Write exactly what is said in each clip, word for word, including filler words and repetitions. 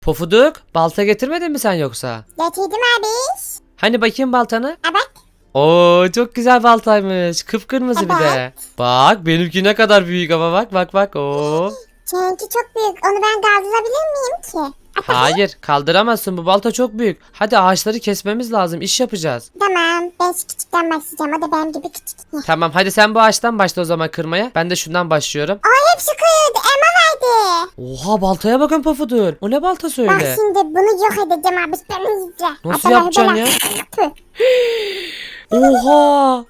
Pofuduk, balta getirmedin mi sen yoksa? Getirdim abi. Hani bakayım baltanı? Ha bak. Oo, çok güzel baltaymış. Kıpkırmızı bir de. Bak, benimki ne kadar büyük ama bak bak bak. Oo. Seninki çok büyük. Onu ben kaldırabilir miyim ki? Hayır, kaldıramazsın. Bu balta çok büyük. Hadi ağaçları kesmemiz lazım. İş yapacağız. Tamam. Ben şu küçükten başlayacağım. O da benim gibi küçük. Heh. Tamam, hadi sen bu ağaçtan başla o zaman kırmaya. Ben de şundan başlıyorum. Ay hepsi kırıldı. Elma verdi. Oha, baltaya bakın Pofuduk. O ne baltası Bak öyle? şimdi bunu yok edeceğim abi. Ben izle. Nasıl Hatta yapacaksın böyle- ya? Tüh. Oha!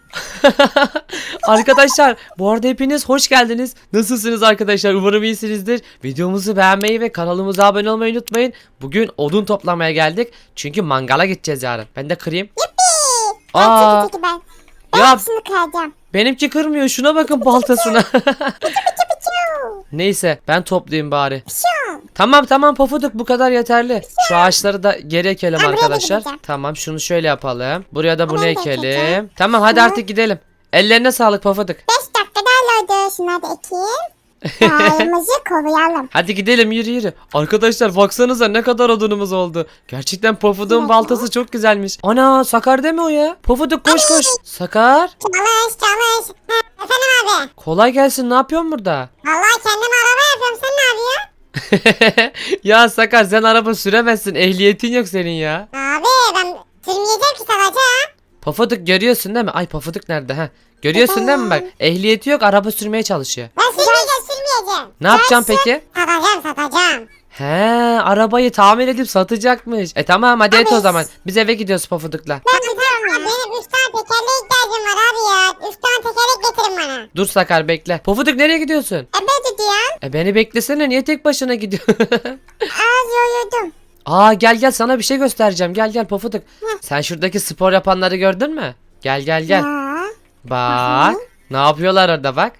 Arkadaşlar, bu arada hepiniz hoş geldiniz. Nasılsınız arkadaşlar? Umarım iyisinizdir. Videomuzu beğenmeyi ve kanalımıza abone olmayı unutmayın. Bugün odun toplamaya geldik. Çünkü mangala gideceğiz yarın. Ben de kırayım. Yuppi. Aa. Aa. Çekil çekil ben. Ben Ya hepsini kıracağım. benimki kırmıyor. Şuna bakın baltasına. Piu. Neyse, ben toplayayım bari. Piu. Tamam tamam Pofuduk, bu kadar yeterli. Şu ağaçları da geri ekelim Ben buraya da arkadaşlar. gideceğim. Tamam, şunu şöyle yapalım. Buraya da bunu Ben de ekelim. ekeceğim. Tamam, hadi Hı. artık gidelim. Ellerine sağlık Pofuduk. Beş dakika daha oldu. Şunları da ekeyim. Dağımızı koruyalım. Hadi gidelim, yürü yürü. Arkadaşlar baksanıza ne kadar odunumuz oldu. Gerçekten Pofuduk'un baltası çok güzelmiş. Ana, Sakar değil mi o ya? Pofuduk koş koş. Sakar. Çalış çalış. Ha, efendim abi. Kolay gelsin, ne yapıyorsun burada? Vallahi kendim araba yapıyorum. Sen ne yapıyorsun? Ya Sakar, sen araba süremezsin. Ehliyetin yok senin ya. Abi ben sürmeyeceğim ki sadece. Pofuduk görüyorsun değil mi? Ay, Pofuduk nerede ha? Görüyorsun değil mi bak? Ehliyeti yok, araba sürmeye çalışıyor. Ben sürmeyeceğim sürmeyeceğim. Ne yapacaksın peki? Satacağım satacağım. He, arabayı tamir edip satacakmış. E tamam, hadi et o Abi. zaman. Biz eve gidiyoruz Pofuduk'la. Ben gidiyorum ya. Benim üç tane tekerleğe ihtiyacım var abi ya. Üç tane tekerlek getirin bana. Dur Sakar, bekle. Pofuduk nereye gidiyorsun? E ben gidiyorum. E beni beklesene, niye tek başına gidiyorsun? Az yoruldum. Aa, gel gel, sana bir şey göstereceğim. Gel gel Pofuduk. Sen şuradaki spor yapanları gördün mü? Gel gel gel. Ya. Bak. Ne yapıyorlar orada bak.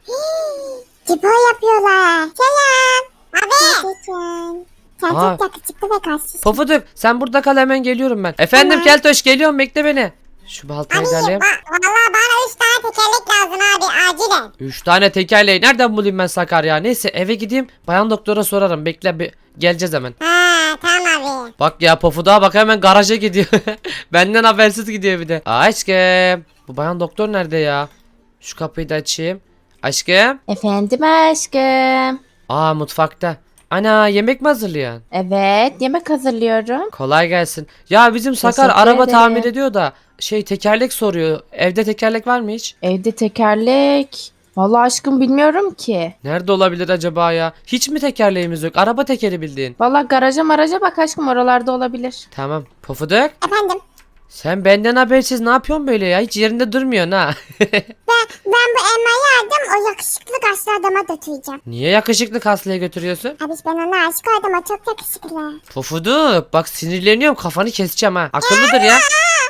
Spor yapıyorlar. Selam. Abi. Nasılsın? Sen Aa. çok yakışıklı ve kalsın. Pofuduk, sen burada kal, hemen geliyorum ben. Efendim Tamam. Keltoş, geliyorum, bekle beni. Şu baltayı Abi da alayım. ba- valla bana üç tane tekerlek lazım abi acilen. Üç tane tekerleği nereden bulayım ben Sakar ya? Neyse, eve gideyim, bayan doktora sorarım. Bekle, bir geleceğiz hemen. Ha tamam abi. Bak ya, Pofuduk'a bak, hemen garaja gidiyor. Benden habersiz gidiyor bir de. Aşkım, bu bayan doktor nerede ya? Şu kapıyı da açayım. Aşkım. Efendim aşkım. Aa, mutfakta. Ana, yemek mi hazırlıyorsun? Evet, yemek hazırlıyorum. Kolay gelsin. Ya bizim Sakar Teşekkür araba ederim. tamir ediyor da şey, tekerlek soruyor. Evde tekerlek var mı hiç? Evde tekerlek. Vallahi aşkım bilmiyorum ki. Nerede olabilir acaba ya? Hiç mi tekerleğimiz yok? Araba tekeri bildiğin. Vallahi garaja maraja bak aşkım, oralarda olabilir. Tamam. Pofuduk, Efendim. sen benden habersiz ne yapıyorsun böyle ya? Hiç yerinde durmuyorsun ha. Ben, ben bu elmayı aldım. O yakışıklı kaslı adama götüreceğim. Niye yakışıklı kaslıya götürüyorsun? Abi ben ona aşık oldum. O çok yakışıklı. Pofuduk, bak sinirleniyorum, kafanı keseceğim ha. Akıllıdır ya.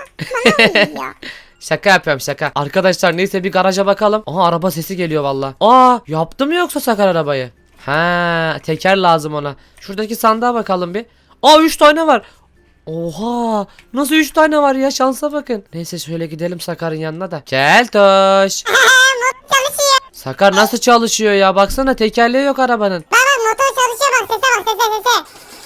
Ya. Şaka yapıyorum, şaka. Arkadaşlar neyse, bir garaja bakalım. Aha, araba sesi geliyor valla. Aa, yaptı mı yoksa Sakar arabayı? Ha, teker lazım ona. Şuradaki sandığa bakalım bir. Aa, üç tane var. Oha, nasıl üç tane var ya, şansa bakın. Neyse, şöyle gidelim Sakar'ın yanına da. Keltoş. Çalışıyor. Sakar nasıl çalışıyor ya, baksana tekerleği yok arabanın. Baba motor çalışıyor bak. Sese bak sese sese.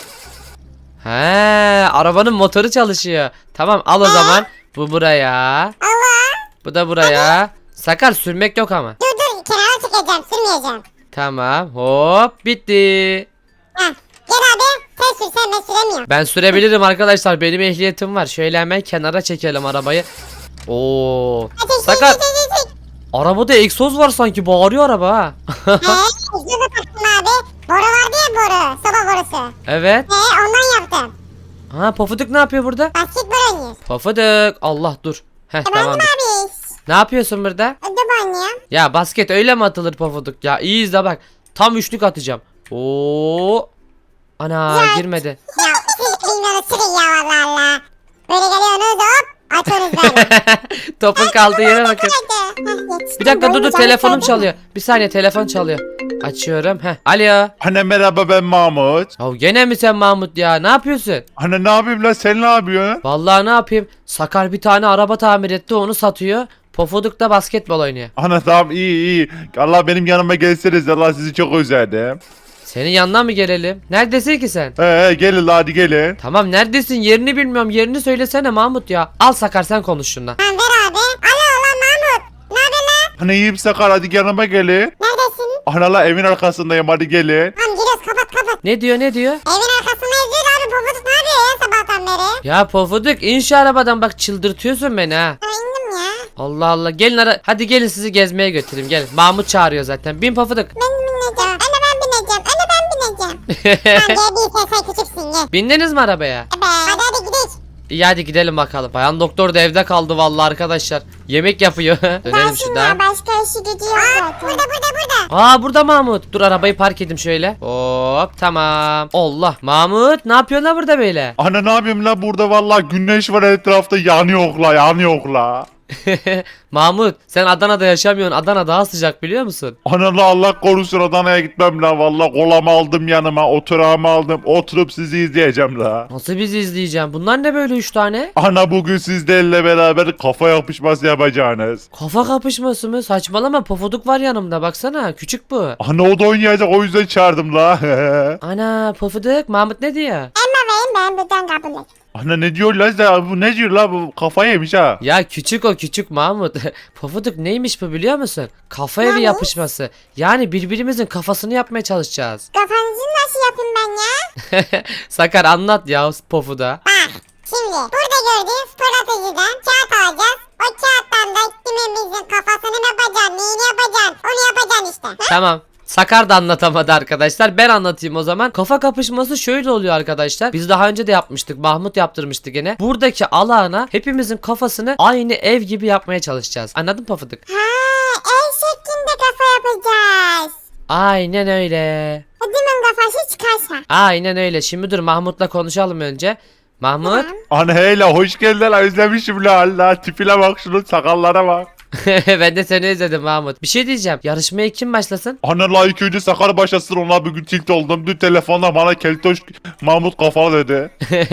He, arabanın motoru çalışıyor. Tamam, al o zaman. Bu buraya. Allah. Bu da buraya. Sakar, sürmek yok ama. Dur dur kenara çıkacağım. Sürmeyeceğim. Tamam, hop, bitti. Heh. Gel abi. Sen sür sen ben süremiyorum. Ben sürebilirim arkadaşlar, benim ehliyetim var. Şöyle hemen kenara çekelim arabayı. Oo. Hadi çek, Sakar, çek, çek, çek. arabada egzoz var sanki, bağırıyor araba ha. He, egzozu taktım abi. Boru vardı ya boru. Soba borusu. Evet. He, ondan yaptım. Ha, Pofuduk ne yapıyor burada? Basketbol oynuyoruz. Pofuduk, Allah dur. Heh, Efendim tamam. abi. Ne yapıyorsun burada? Ödüm oynuyorum. Ya basket öyle mi atılır Pofuduk ya? İyi izle bak. Tam üçlük atacağım. Oo. Ana, Ya. girmedi. Ya siz bilmiyorsunuz sürün ya valla Allah. Böyle geliyorsunuz hop. Atıyorsunuz böyle. Topun kaldığı yere bakın. Hadi. Heh, yetiştim. Bir dakika, dur dur, Boyunca telefonum yetiştim. çalıyor. Bir saniye, telefon çalıyor. Açıyorum. Heh. Alo. Anne merhaba, ben Mahmut. Ya gene mi sen Mahmut ya? Ne yapıyorsun? Anne ne yapayım lan, sen ne yapıyorsun? Vallahi ne yapayım? Sakar bir tane araba tamir etti, onu satıyor. Pofuduk da basketbol oynuyor. Anne tamam, iyi iyi. Allah benim yanıma gelseniz, Allah sizi çok özledim. Senin yanına mı gelelim? Neredesin ki sen? Ee gelin la hadi gelin. Tamam neredesin? Yerini bilmiyorum. Yerini söylesene Mahmut ya. Al Sakar sen konuş şunla. Tamam ver abi. Alo lan Mahmut. Ne haber lan? Hani iyiyim Sakar hadi yanıma gelin. Neredesin? Ana la evin arkasındayım hadi gelin. Tamam giriyoruz kapat kapat. Ne diyor ne diyor? Evin arkasında yazıyor abi. Pofuduk ne yapıyor ya sabahtan beri? Ya Pofuduk in şu arabadan bak çıldırtıyorsun beni ha. Ha indim ya. Allah Allah gelin ara hadi gelin sizi gezmeye götüreyim gelin. Mahmut çağırıyor zaten. Bin Pofuduk. Ben bineceğim. Anne ben bineceğim. Anne ben bineceğim. Sen gel bir sen küçüksün gel. Bindiniz mi arabaya? Evet. Hadi hadi gidelim. İyi hadi gidelim bakalım. Bayan doktor da evde kaldı vallahi arkadaşlar. Yemek yapıyor. Dönelim şuradan. başka işi gücü yok zaten. Burada burada burada. Aa burada Mahmut. Dur arabayı park edeyim şöyle. Hop tamam. Allah. Mahmut ne yapıyorsun la burada böyle? Ana ne yapayım la burada vallahi güneş var etrafta yanıyor la yanıyor la. Mahmut sen Adana'da yaşamıyorsun. Adana daha sıcak biliyor musun? Ana la Allah korusun Adana'ya gitmem la vallahi kolamı aldım yanıma oturağımı aldım oturup sizi izleyeceğim la. Nasıl bizi izleyeceğim? Bunlar ne böyle üç tane? Ana bugün sizlerle beraber kafa yapışması yapacaksınız. Kafa kapışması mı? Saçmalama Pofuduk var yanımda baksana. Küçük bu. Ana o da oynayacak o yüzden çağırdım la. Ana Pofuduk. Mahmut ne diyor? Emma verin ben buradan kabul et. Ana ne diyor la sen? Bu ne diyor la bu kafayı yemiş ha. Ya küçük o küçük Mahmut. Pofuduk neymiş bu biliyor musun? Kafa evi Neymiş? yapışması. Yani birbirimizin kafasını yapmaya çalışacağız. Kafanızı nasıl yapayım ben ya? Sakar anlat ya Pofud'a. Bak şimdi burada gördüğün stratejiden kağıt alacağız. O kağıttan da kimimizin kafasını mı yapacaksın, neyini yapacaksın, onu yapacaksın işte. Ha? Tamam. Sakar da anlatamadı arkadaşlar. Ben anlatayım o zaman. Kafa kapışması şöyle oluyor arkadaşlar. Biz daha önce de yapmıştık. Mahmut yaptırmıştı gene. Buradaki alana hepimizin kafasını aynı ev gibi yapmaya çalışacağız. Anladın mı Pofuduk? Ha, el şeklinde kafa yapacağız. Aynen öyle. Hadimin kafası çıkarsa. Aynen öyle. Şimdi dur Mahmut'la konuşalım önce. Mahmut. Ana hey la hoş geldin la özlemişim la Allah tipine bak şunun sakallara bak. Ben de seni izledim Mahmut. Bir şey diyeceğim. Yarışmaya kim başlasın? Ana la ilk önce Sakar başlasın ona bugün tilt oldum. Dün telefonda bana keltoş Mahmut kafalı dedi.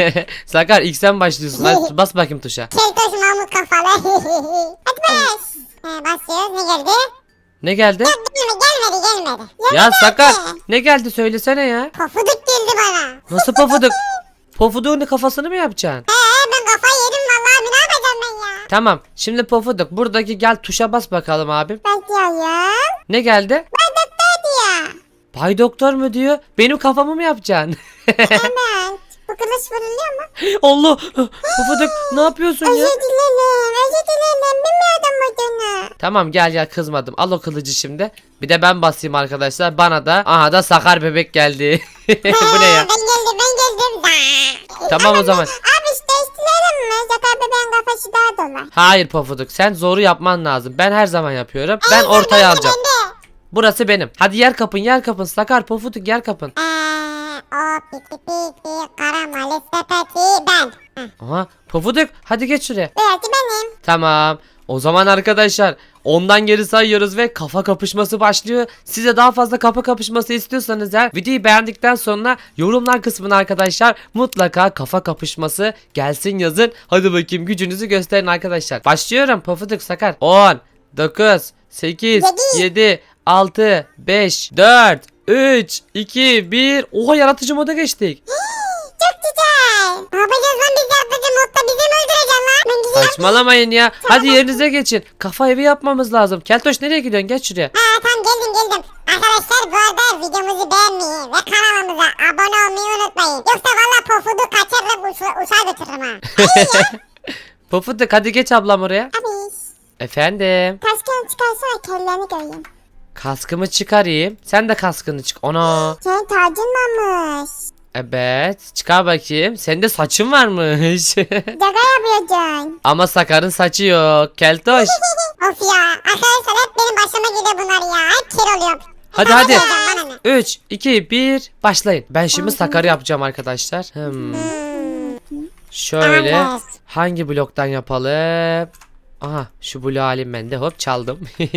Sakar ilk sen başlıyorsun. Hadi bas bakayım tuşa. Keltoş Mahmut kafalı. Hadi bas. He, basıyoruz ne geldi? Ne geldi? Gelmedi gelmedi gelmedi. Ya Sakar ne geldi söylesene ya. Pofuduk geldi bana. Nasıl Pofuduk? Pofuduk'un kafasını mı yapacaksın? He ben kafayı yedim vallahi ne yapacağım ben ya? Tamam. Şimdi Pofuduk buradaki gel tuşa bas bakalım abim. Bakıyorum. Ne geldi? Ben doktor diyor. Bay doktor mu diyor? Benim kafamı mı yapacaksın? Hemen. Bu kılıç vuruluyor mu? Allah! Pofuduk ne yapıyorsun ya? Özür dilerim. Özür dilerim. Bilmiyordum bunu. Tamam gel gel kızmadım. Al o kılıcı şimdi. Bir de ben basayım arkadaşlar. Bana da aha da Sakar bebek geldi. Bu ne ya? Ben geldim ben geldim. Tamam o zaman. Abi işte değiştirelim mi? Zakar bebeğin kafası daha dolar. Hayır Pofuduk sen zoru yapman lazım. Ben her zaman yapıyorum. Ben ortaya alacağım. Burası benim. Hadi yer kapın yer kapın. Sakar Pofuduk yer kapın. Eee o piti piti karamalı sepeti ben. Heh, Aha Pofuduk hadi geç şuraya. burası benim. Tamam. O zaman arkadaşlar ondan geri sayıyoruz ve kafa kapışması başlıyor. Size daha fazla kafa kapışması istiyorsanız eğer videoyu beğendikten sonra yorumlar kısmına arkadaşlar mutlaka kafa kapışması gelsin yazın. Hadi bakayım gücünüzü gösterin arkadaşlar. Başlıyorum Pofuduk Sakar. on, dokuz, sekiz, Yedi. yedi, altı, beş, dört, üç, iki, bir. Oha yaratıcı moda geçtik. Çok güzel. Ne yapacağız lan biz yaptıcı modda bizi mi öldüreceksin lan? Ben güzel. Saçmalamayın ya. Hadi yerinize geçin. Kafa evi yapmamız lazım. Keltoş nereye gidiyorsun? Geç şuraya. Ha tamam geldim geldim. Arkadaşlar bu arada videomuzu beğenmeyi ve kanalımıza abone olmayı unutmayın. Yoksa valla pofudu kaçırırım uça uçağa götürürüm ha. Pofuduk hadi geç ablam oraya. Abi Efendim. kaskını çıkarsana kelleni göreyim. Kaskımı çıkarayım. Sen de kaskını çık. Ana. Senin tacın varmış. Evet. Çıkar bakayım. Senin de saçın varmış. Şaka yapıyorsun. Ama Sakar'ın saçı yok. Keltoş. Of ya arkadaşlar hep benim başıma geliyor bunlar ya. Hep kir oluyorum. Hadi hadi. Bana ne? üç, iki, bir. Başlayın. Ben şimdi Sakar'ı yapacağım arkadaşlar. Hmm. Şöyle. Evet. Hangi bloktan yapalım? Aha şu bloğu alayım ben de. Hop çaldım.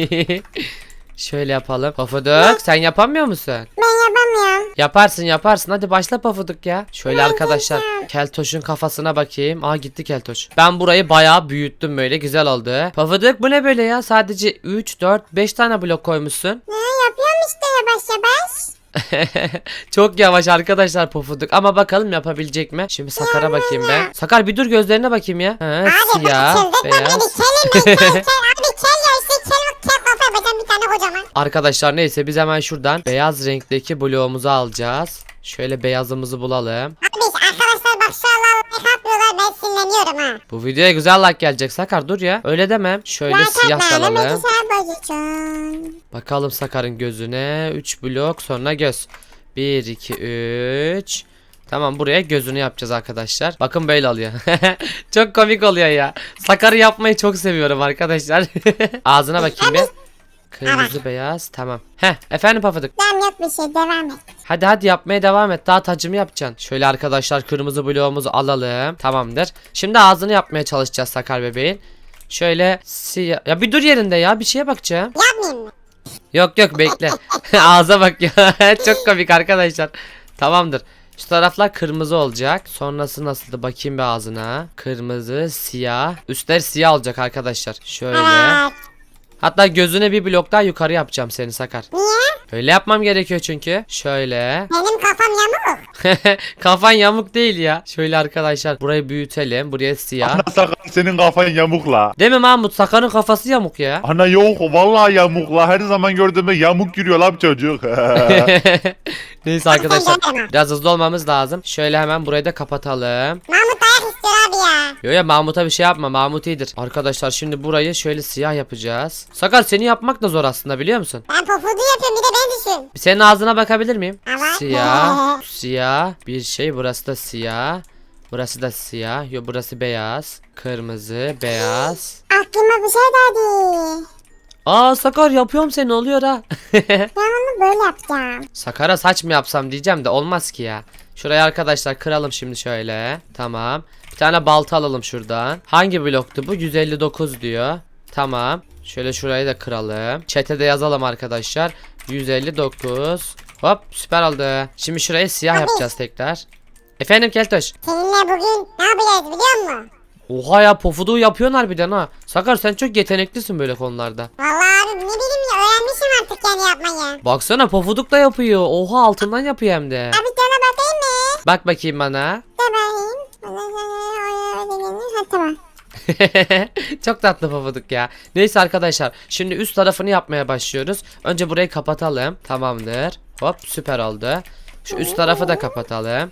Şöyle yapalım. Pofuduk sen yapamıyor musun? Ben yapamıyorum. Yaparsın yaparsın. Hadi başla Pofuduk ya. Şöyle Ben arkadaşlar. yapacağım. Keltoş'un kafasına bakayım. Aa gitti Keltoş. Ben burayı bayağı büyüttüm böyle. Güzel oldu. Pofuduk bu ne böyle ya? Sadece üç, dört, beş tane blok koymuşsun. Ne yapıyorum işte yavaş yavaş. Çok yavaş arkadaşlar Pofuduk ama bakalım yapabilecek mi? Şimdi Sakar'a bakayım ben. Sakar bir dur gözlerine bakayım ya. Ha, Abi siyah, çıldırtma beni. beyaz. Kelim ben kel kel. Abi kel ya işte kel, kel kafa yapacağım bir tane kocaman. Arkadaşlar neyse biz hemen şuradan beyaz renkteki bloğumuzu alacağız. Şöyle beyazımızı bulalım. Abi arkadaşlar bak şu an like atmıyorlar ben sinirleniyorum ha. Bu videoya güzel like gelecek Sakar dur ya. Öyle demem. Şöyle siyah da alalım. bozacağım. Bakalım Sakar'ın gözüne. üç blok sonra göz. bir, iki, üç. Tamam buraya gözünü yapacağız arkadaşlar. Bakın böyle oluyor. Çok komik oluyor ya. Sakar'ı yapmayı çok seviyorum arkadaşlar. Ağzına bakayım bir. Kırmızı beyaz tamam. Heh efendim Pafuduk. Tamam yok bir şey devam et. Hadi hadi yapmaya devam et. Daha tacımı yapacaksın. Şöyle arkadaşlar kırmızı bloğumuzu alalım. Tamamdır. Şimdi ağzını yapmaya çalışacağız Sakar bebeğin. Şöyle siyah. Ya bir dur yerinde ya. Bir şeye bakacağım. Yapmayayım mı? Yok yok bekle. Ağza bak ya. Çok komik arkadaşlar. Tamamdır. Şu taraflar kırmızı olacak. Sonrası nasıldı bakayım bir ağzına. Kırmızı, siyah. Üstler siyah olacak arkadaşlar. Şöyle. Evet. Hatta gözüne bir blok daha yukarı yapacağım seni Sakar. Niye? Öyle yapmam gerekiyor çünkü. Şöyle. Benim kafam yamuk. Kafan yamuk değil ya. Şöyle arkadaşlar burayı büyütelim. Buraya siyah. Ana Sakar senin kafan yamuk la. Değil mi Mahmut? Sakar'ın kafası yamuk ya. Ana yok vallahi yamuk la. Her zaman gördüğümde yamuk yürüyor la bu çocuk. Neyse arkadaşlar sen deme. biraz hızlı olmamız lazım. Şöyle hemen burayı da kapatalım. Mahmut dayak istiyor abi ya. Yo ya Mahmut'a bir şey yapma. Mahmut iyidir. Arkadaşlar şimdi burayı şöyle siyah yapacağız. Sakar seni yapmak da zor aslında biliyor musun? Ben pofudu yapıyorum bir de beni düşün. Bir senin ağzına bakabilir miyim? Evet. Siyah, siyah, bir şey burası da siyah. Burası da siyah. Yo burası beyaz. Kırmızı, beyaz. Aklıma bir şey geldi. Aa Sakar yapıyorum seni oluyor ha. Ben onu böyle yapacağım. Sakar'a saç mı yapsam diyeceğim de olmaz ki ya. Şurayı arkadaşlar kıralım şimdi şöyle. Tamam. Bir tane balta alalım şuradan. Hangi bloktu bu? yüz elli dokuz diyor. Tamam. Şöyle şurayı da kıralım. Chat'e de yazalım arkadaşlar. yüz elli dokuz. Hop süper oldu. Şimdi şurayı siyah yapacağız tekrar. Efendim Keltoş. Seninle bugün ne yapacağız biliyor musun? Oha ya pofuduğu yapıyorsun harbiden ha. Sakar sen çok yeteneklisin böyle konularda. Vallahi abi ne bileyim ya öğrenmişim artık yani yapmayı. Baksana pofuduk da yapıyor. Oha altından yapıyor hem de. Abi sana bakayım mı? Bak bakayım bana. De bakayım. Ha tamam. Çok tatlı pofuduk ya. Neyse arkadaşlar şimdi üst tarafını yapmaya başlıyoruz. Önce burayı kapatalım. Tamamdır. Hop süper oldu. Şu üst tarafı da kapatalım.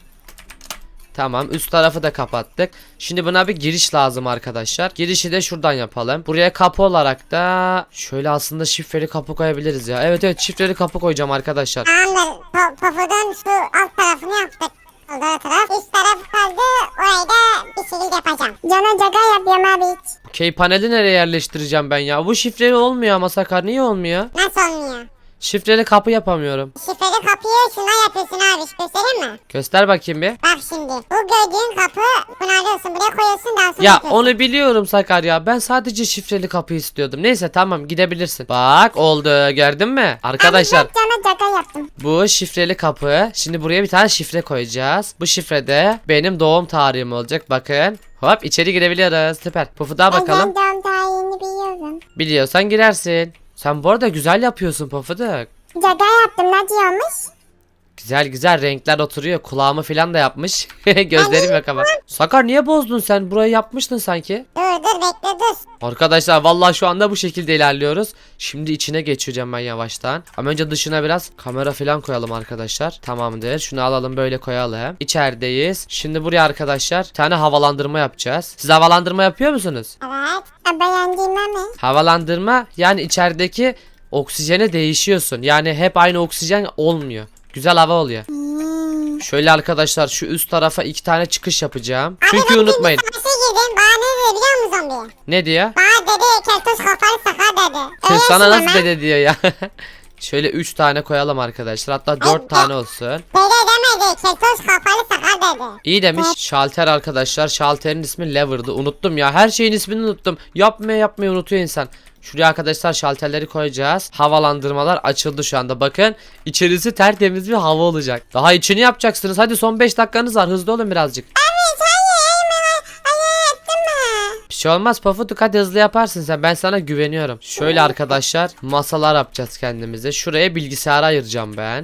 Tamam üst tarafı da kapattık. Şimdi buna bir giriş lazım arkadaşlar. Girişi de şuradan yapalım. Buraya kapı olarak da şöyle aslında şifreli kapı koyabiliriz ya. Evet evet şifreli kapı koyacağım arkadaşlar. Tamamdır. Po pofudun şu alt tarafını yaptık. Solda taraf. Üst taraf kaldı. Orayı da bir şekilde yapacağım. Cana caga yapıyorum abi hiç. Okey paneli nereye yerleştireceğim ben ya? Bu şifreli olmuyor ama Sakar niye olmuyor? Nasıl olmuyor? Şifreli kapı yapamıyorum. Şifreli kapıyı şuna yapıyorsun abi. Göstereyim mi? Göster bakayım bir. Bak şimdi. Bu gördüğün kapı bunu alıyorsun. Buraya koyuyorsun daha sonra Ya yapıyorsun. onu biliyorum Sakar ya. Ben sadece şifreli kapı istiyordum. Neyse tamam gidebilirsin. Bak oldu gördün mü? Arkadaşlar Abi ben cana caga yaptım. bu şifreli kapı. Şimdi buraya bir tane şifre koyacağız. Bu şifrede benim doğum tarihim olacak. Bakın. Hop içeri girebiliyoruz. Süper. Pufuda bakalım. Ben doğum tarihini biliyorum. Biliyorsan girersin. Sen bu arada güzel yapıyorsun Pufuduk. Caga yaptım. Ne diyormuş? Güzel güzel renkler oturuyor. Kulağımı falan da yapmış. Gözlerim yok ama. Sakar niye bozdun sen? Burayı yapmıştın sanki. Dur dur bekle dur. Arkadaşlar vallahi şu anda bu şekilde ilerliyoruz. Şimdi içine geçeceğim ben yavaştan. Ama önce dışına biraz kamera falan koyalım arkadaşlar. Tamamdır. Şunu alalım böyle koyalım. İçerideyiz. Şimdi buraya arkadaşlar bir tane havalandırma yapacağız. Siz havalandırma yapıyor musunuz? Evet. Beğendiğime mi? Havalandırma yani içerideki oksijene değişiyorsun. Yani hep aynı oksijen olmuyor. Güzel hava oluyor. Hmm. Şöyle arkadaşlar şu üst tarafa iki tane çıkış yapacağım. Çünkü ben unutmayın. Bir savaşa girdim. Bana ne dedi biliyor musun zombi? Ne diyor? Bana dedi keltoş kafalı sakar dedi. Öyle Sana şey nasıl ama. dede diyor ya. Şöyle üç tane koyalım arkadaşlar. Hatta dört tane olsun. Dede demedi. Keltoş kafalı sakar dedi. İyi demiş. Şalter arkadaşlar. Şalterin ismi Lever'dı. Unuttum ya. Her şeyin ismini unuttum. Yapmaya yapmayı unutuyor insan. Şuraya arkadaşlar şalterleri koyacağız. Havalandırmalar açıldı şu anda. Bakın içerisi tertemiz bir hava olacak. Daha içini yapacaksınız. Hadi son beş dakikanız var. Hızlı olun birazcık. Evet hayır hayır hayır ettin mi? Bir şey olmaz Pofuduk hadi hızlı yaparsın sen. Ben sana güveniyorum. Şöyle arkadaşlar masalar yapacağız kendimize. Şuraya bilgisayarı ayıracağım ben.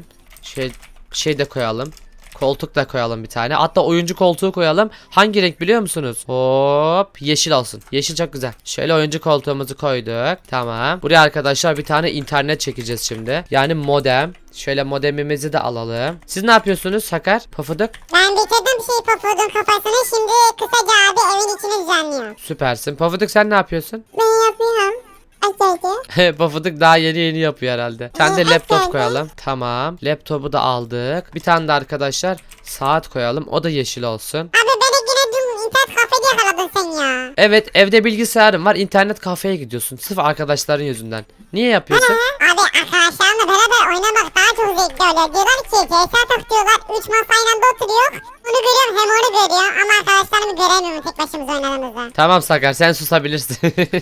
Şey şey de koyalım. Koltuk da koyalım bir tane. Hatta oyuncu koltuğu koyalım. Hangi renk biliyor musunuz? Hop, yeşil olsun. Yeşil çok güzel. Şöyle oyuncu koltuğumuzu koyduk. Tamam. Buraya arkadaşlar bir tane internet çekeceğiz şimdi. Yani modem. Şöyle modemimizi de alalım. Siz ne yapıyorsunuz Sakar? Pofuduk? Ben bitirdim şey Pofuduk'un kafasını. Şimdi kısaca abi evin içini düzenliyor. Süpersin. Pofuduk sen ne yapıyorsun? Ben yapıyorum. Açaydı. Pofuduk daha yeni yeni yapıyor herhalde. Sen de Ee, laptop aferin. koyalım. Tamam. Laptopu da aldık. Bir tane de arkadaşlar saat koyalım. O da yeşil olsun. Abi beni yine dün internet kafede yakaladın sen ya. Evet, evde bilgisayarım var. İnternet kafeye gidiyorsun. Sırf arkadaşların yüzünden. Niye yapıyorsun? Abi arkadaşlarımla beraber oynamak daha çok zevkli oluyor. Diyorlar ki C S atak diyorlar. Üç masa aynı anda oturuyor. Onu görüyorum hem onu görüyor. Ama arkadaşlarımı göremiyorum tek başımıza oynadığımızda. Tamam Sakar, sen susabilirsin.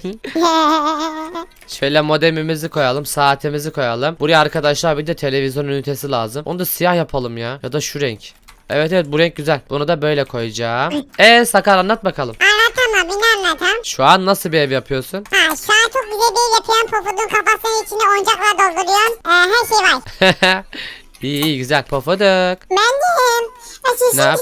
Şöyle modemimizi koyalım, saatimizi koyalım. Buraya arkadaşlar bir de televizyon ünitesi lazım. Onu da siyah yapalım ya. Ya da şu renk. Evet evet, bu renk güzel. Bunu da böyle koyacağım. Eee Sakar, anlat bakalım. Anlatamam bir anlatam. Şu an nasıl bir ev yapıyorsun? Ha şu an çok güzel bir ev yapıyorum. Pofudun kafasının içine oyuncakla dolduruyorum. Ee, her şey var. İyi iyi, güzel. Pofuduk. Ben de Ne yap?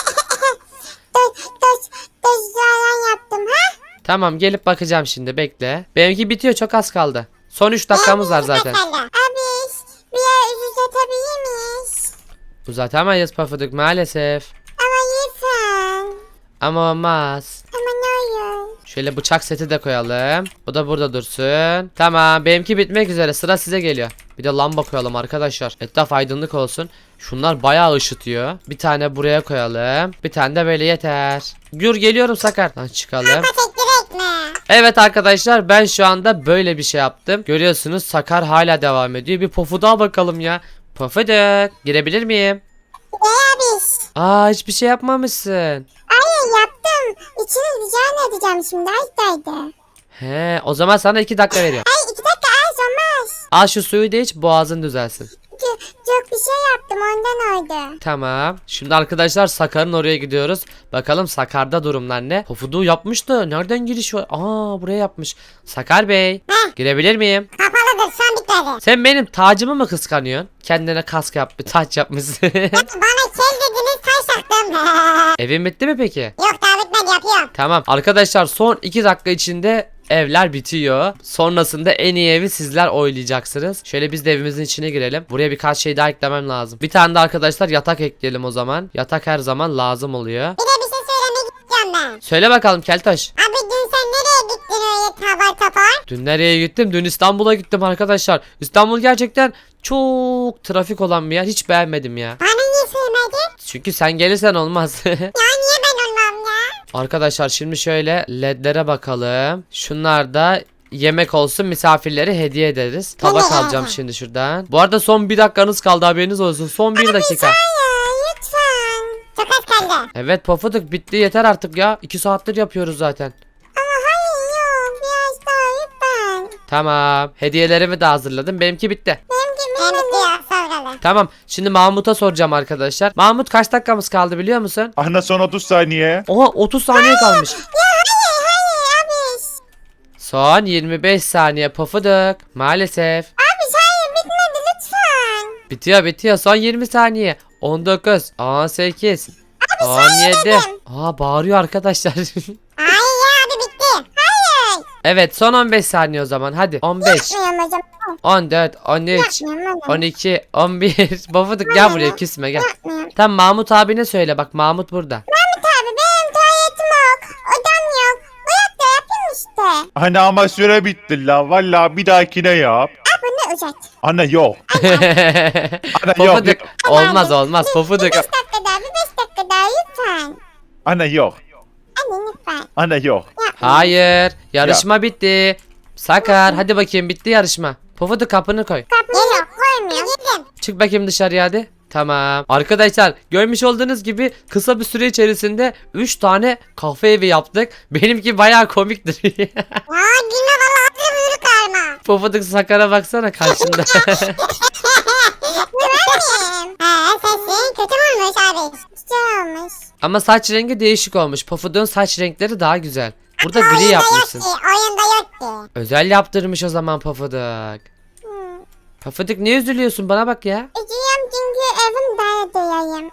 Doş doş doş yalan yaptım ha. Tamam, gelip bakacağım şimdi, bekle. Benimki bitiyor, çok az kaldı. Son üç dakikamız var zaten. Abi bir yer uzatabilir miyiz? Uzatamayız Pofuduk maalesef. Ama lütfen. Ama olmaz. Ama ne olur. Şöyle bıçak seti de koyalım. Bu da burada dursun. Tamam, benimki bitmek üzere, sıra size geliyor. Bir de lamba koyalım arkadaşlar. Etraf aydınlık olsun. Şunlar bayağı ışıtıyor. Bir tane buraya koyalım. Bir tane de böyle yeter. Gür geliyorum Sakar. Lan çıkalım. Ama tek direkt mi? Evet arkadaşlar, ben şu anda böyle bir şey yaptım. Görüyorsunuz Sakar hala devam ediyor. Bir Pofuduk'a bakalım ya. Pofuduk, girebilir miyim? Ne abi? Aa, hiçbir şey yapmamışsın. Hayır yaptım. İçini rica edeceğim şimdi. Aytaydı. He, o zaman sana iki dakika veriyorum. Ay iki dakika az olmaz. Al şu suyu da iç, boğazın düzelsin. Çok, çok bir şey yaptım ondan oldu. Tamam. Şimdi arkadaşlar Sakar'ın oraya gidiyoruz. Bakalım Sakar'da durumlar ne? Pofuduk'u yapmıştı. Nereden giriş var? Aa, buraya yapmış. Sakar Bey. Heh. Girebilir miyim? Kapalıdır şu an bitmedi. Sen benim tacımı mı kıskanıyorsun? Kendine kask yap, bir taç yapmışsın. Bana kel dediniz taş taktım. Evin bitti mi peki? Yok daha bitmedi yapıyorum. Tamam. Arkadaşlar son iki dakika içinde evler bitiyor. Sonrasında en iyi evi sizler oylayacaksınız. Şöyle biz de evimizin içine girelim. Buraya birkaç şey daha eklemem lazım. Bir tane de arkadaşlar yatak ekleyelim o zaman. Yatak her zaman lazım oluyor. Bir de bir şey söylemek istiyorum ben. Söyle bakalım Keltoş. Abi dün sen nereye gittin öyle tabar tapar? Dün nereye gittim? Dün İstanbul'a gittim arkadaşlar. İstanbul gerçekten çok trafik olan bir yer. Hiç beğenmedim ya. Bana niye söylemedin? Çünkü sen gelirsen olmaz. Ya niye ben olmam ya? Arkadaşlar şimdi şöyle ledlere bakalım. Şunlar da yemek olsun, misafirlere hediye ederiz. Tabak Tamam. alacağım şimdi şuradan. Bu arada son bir dakikanız kaldı, haberiniz olsun. Son bir dakika. Hayır lütfen. Çok az kaldı. Evet Pofuduk, bitti yeter artık ya. iki saattir yapıyoruz zaten. Ama hayır yok biraz daha lütfen. Tamam. Hediyelerimi de hazırladım. Benimki bitti. Benim gibi benim bitti sonra. Tamam. Şimdi Mahmut'a soracağım arkadaşlar. Mahmut, kaç dakikamız kaldı biliyor musun? Anne son otuz saniye. Oha, otuz saniye kalmış. Ya hayır hayır abi. Son yirmi beş saniye Pofuduk. Maalesef. Abi hayır bitmedi lütfen. Bitiyor bitiyor. Son yirmi saniye. on dokuz, on sekiz, on yedi. Aa, bağırıyor arkadaşlar. Hayır ya abi bitti. Hayır. Evet, son on beş saniye o zaman. Hadi. on beş, Yapmıyorum hocam. on dört, on üç, Yapmıyorum on iki, on bir. Pofuduk gel buraya, küsme gel. Yapmıyorum. Tamam, Mahmut abine söyle, bak Mahmut burada. Mahmut abi benim tuvaletim yok. Odam yok. Uyak da yapayım işte. Anne ama süre bitti la. Valla bir dahakine yap. Abi ne uzat. Anne yok. Anne yok. Pofuduk yok. olmaz olmaz Pofuduk. Bir beş dakika daha bir beş dakika daha lütfen. Anne yok. Anne lütfen. Anne yok. Yapma. Hayır, yarışma bitti. Sakar, hadi bakayım, bitti yarışma. Pofuduk, kapını koy. Geliyor koymuyorum. Yedim. Çık bakayım dışarıya hadi. Tamam. Arkadaşlar, görmüş olduğunuz gibi kısa bir süre içerisinde üç tane kafe evi yaptık. Benimki bayağı komiktir. Ya gülme valla hazır büyük karma. Pofuduk Sakar'a baksana karşında. Güvenmeyeyim. He sesin kötü mü olmuş abi? Güzel olmuş. Ama saç rengi değişik olmuş. Pofuduk'un saç renkleri daha güzel. Burada gri Oyunda yapmışsın. yok ki. Oyunda yok ki. Özel yaptırmış o zaman Pofuduk. Hmm. Pofuduk, niye üzülüyorsun, bana bak ya. Üzülüyorum çünkü da duyayım.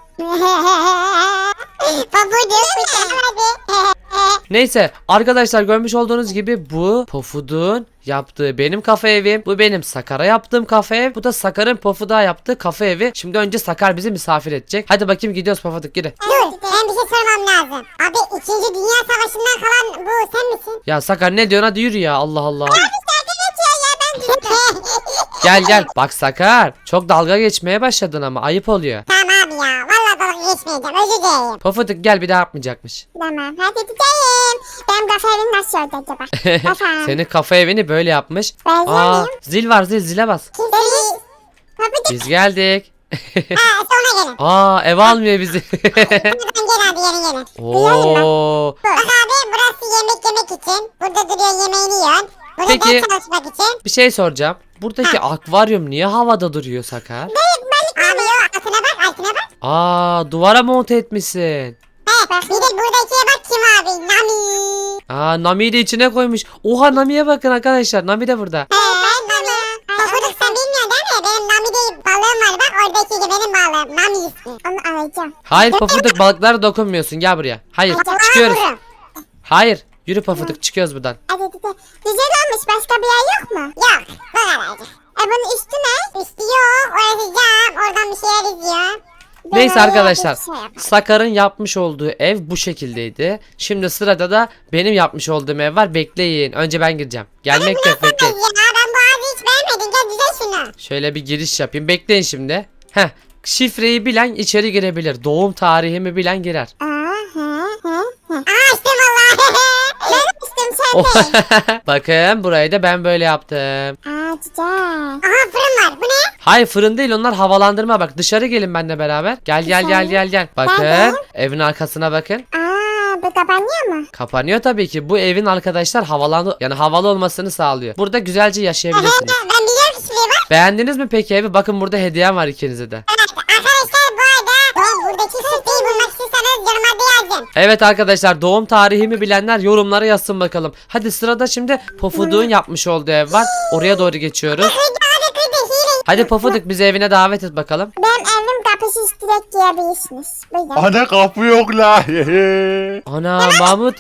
Pofuduk uçamadı. Neyse arkadaşlar görmüş olduğunuz gibi bu Pofuduk'un yaptığı benim kafe evim. Bu benim Sakar'a yaptığım kafe ev. Bu da Sakar'ın Pofuduk'a yaptığı kafe evi. Şimdi önce Sakar bizi misafir edecek. Hadi bakayım gidiyoruz Pofuduk gidin. Dur ben bir şey sormam lazım. Abi ikinci Dünya Savaşı'ndan kalan bu sen misin? Ya Sakar ne diyorsun hadi yürü ya Allah Allah. Abi şarkı geçiyor ya ben düştüm. Gel gel. Bak Sakar çok dalga geçmeye başladın ama ayıp oluyor. Tamam abi ya. Valla dalga geçmeyeceğim. Özür dilerim. Pofuduk gel bir daha yapmayacakmış. Tamam hadi gideyim. Benim kafe evim nasıl oldu acaba? Efendim. Senin kafe evini böyle yapmış. Benziyor Aa, muyum? zil var zil zile bas. Kimsiniz? Pofuduk. Biz geldik. Ha sonra gelin. Aa ev almıyor bizi. Buradan gel abi gelin gelin. Oo. Bak abi burası yemek yemek için. Burada duruyor yemeğini yiyorsun. Burada Peki. ders çalışmak için. Bir şey soracağım. Buradaki akvaryum niye havada duruyor Sakar? Balık abi yok altına bak altına bak. Aa duvara monte etmişsin. He bak bir de buradakiye bak kim abi. Nami. Aa Nami'yi de içine koymuş. Oha Nami'ye bakın arkadaşlar. Nami de burada. He ben Nami. Pofuduk sen bilmiyorsun değil mi? Benim Nami değil balığım var bak oradaki gibi benim balığım. Nami ismi. Onu alacağım. Hayır Pofuduk balıklara dokunmuyorsun. Gel buraya. Hayır çıkıyoruz. Hayır. Yürü Pofuduk çıkıyoruz buradan. Hadi hadi. Güzel olmuş. Başka bir yer yok mu? Yok. Bu kadarcık. E bunun üstü ne? Üstü yok. Orası cam. Oradan bir şeyler izliyor. Neyse Böyle arkadaşlar. bir şey yap. Sakar'ın yapmış olduğu ev bu şekildeydi. Şimdi sırada da benim yapmış olduğum ev var. Bekleyin. Önce ben gireceğim. Gelmek yok bekleyin. Ya ben bu ağzı hiç beğenmedim. Gel düze şunu. Şöyle bir giriş yapayım. Bekleyin şimdi. Heh. Şifreyi bilen içeri girebilir. Doğum tarihimi bilen girer. Aa, he, he, he. Aa açtım valla. Ben açtım sen de. Bakın burayı da ben böyle yaptım. Aa güzel. Aha fırın var. Bu ne? Hayır fırın değil onlar havalandırma bak dışarı gelin benimle beraber. Gel gel gel gel gel. Bakın Nerede? evin arkasına bakın. Aa bu kapanıyor mu? Kapanıyor tabii ki. Bu evin arkadaşlar havalandı yani havalı olmasını sağlıyor. Burada güzelce yaşayabilirsiniz. Ben biliyorum ki şurayı bak. Beğendiniz mi peki evi? Bakın burada hediyem var ikinize de. Evet arkadaşlar bu arada ben buradaki siteyi bulmak istiyorsanız yorumlarda yazın. Evet arkadaşlar doğum tarihimi bilenler yorumlara yazsın bakalım. Hadi sırada şimdi Pofuduk'un yapmış olduğu ev var. Oraya doğru geçiyoruz. Kırdı abi kırdı hile. Hadi Pofuduk bizi evine davet et bakalım. Benim evim kapısız direkt girebilirsiniz. Buyurun. Ana kapı yok la. Ana Mahmut.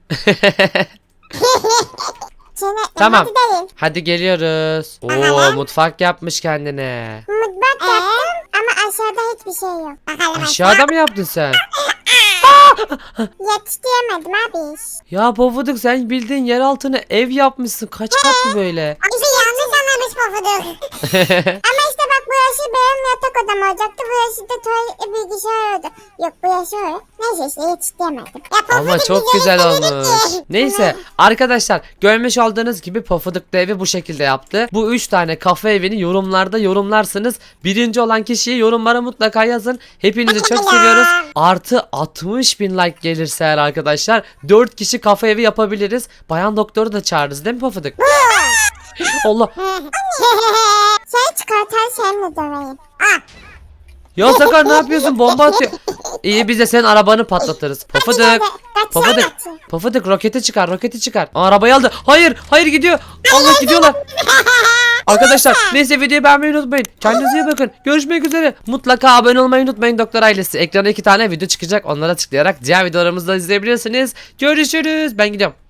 Seni, Tamam. Hadi deyin. Hadi geliyoruz. Oo Bakalım. mutfak yapmış kendine. Mutfak yaptım ama aşağıda hiçbir şey yok. Bakalım Aşağıda mı yaptın sen? Yetiştiremedim abi. Ya Pofuduk sen bildiğin yer altına ev yapmışsın. Kaç katlı böyle? Abi yanlış anlamış Pofuduk. Ama işte bak burası benim yatak odam olacaktı. Burası da tuvalet bilgisayar oldu. Yok burası öyle. Neyse işte yetiştiremedim. Ya Ama Pofuduk çok bizi güzel yetiştirdi olmuş. ki. Neyse arkadaşlar görmüş olduğunuz gibi Pofuduk da evi bu şekilde yaptı. Bu üç tane kafe evini yorumlarda yorumlarsınız. Birinci olan kişiyi yorumlara mutlaka yazın. Hepinizi çok seviyoruz. Artı altmış bin like gelirse eğer arkadaşlar dört kişi kafe evi yapabiliriz. Bayan doktoru da çağırırız değil mi Pofuduk? Allah. Şey çıkartan seninle döveyim. Ah. Ya Sakar ne yapıyorsun? Bomba atıyor. İyi biz de senin arabanı patlatırız. Pofuduk. Pofuduk. Pofuduk roketi çıkar roketi çıkar. Aa, arabayı aldı. Hayır hayır gidiyor. Allah gidiyorlar. Arkadaşlar neyse videoyu beğenmeyi unutmayın. Kendinize iyi bakın. Görüşmek üzere. Mutlaka abone olmayı unutmayın doktor ailesi. Ekrana iki tane video çıkacak. Onlara tıklayarak diğer videolarımızı da izleyebilirsiniz. Görüşürüz. Ben gidiyorum.